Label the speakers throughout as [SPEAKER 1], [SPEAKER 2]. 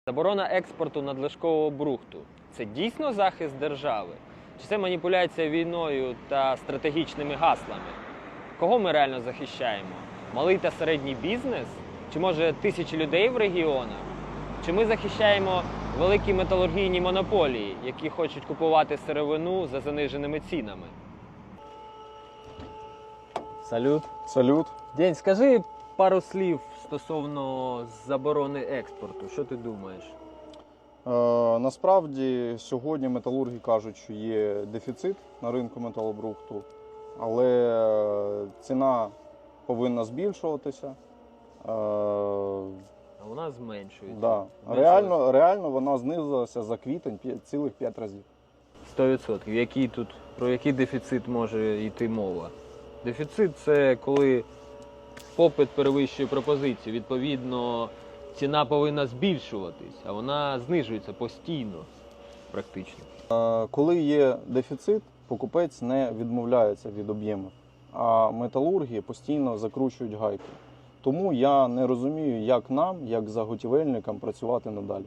[SPEAKER 1] Заборона експорту надлишкового брухту – це дійсно захист держави? Чи це маніпуляція війною та стратегічними гаслами? Кого ми реально захищаємо? Малий та середній бізнес? Чи може тисячі людей в регіонах? Чи ми захищаємо великі металургійні монополії, які хочуть купувати сировину за заниженими цінами? Салют.
[SPEAKER 2] Салют.
[SPEAKER 1] День, скажи пару слів стосовно заборони експорту. Що ти думаєш?
[SPEAKER 2] Насправді сьогодні металурги кажуть, що є дефіцит на ринку металобрухту, але ціна повинна збільшуватися.
[SPEAKER 1] А вона зменшується.
[SPEAKER 2] Да. Реально вона знизилася за квітень цілих 5 разів.
[SPEAKER 1] 100%. Про який дефіцит може йти мова? Дефіцит – це коли попит перевищує пропозицію. Відповідно, ціна повинна збільшуватись, а вона знижується постійно, практично.
[SPEAKER 2] Коли є дефіцит, покупець не відмовляється від об'ємів, а металурги постійно закручують гайки. Тому я не розумію, як нам, як заготівельникам, працювати надалі.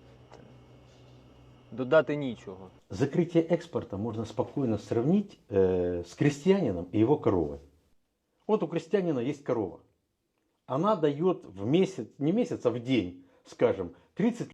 [SPEAKER 1] Додати нічого.
[SPEAKER 3] Закрытие экспорта можно спокойно сравнить с крестьянином и его коровой. Вот у крестьянина есть корова. Она дает в месяц, не месяц, а в день, скажем, 30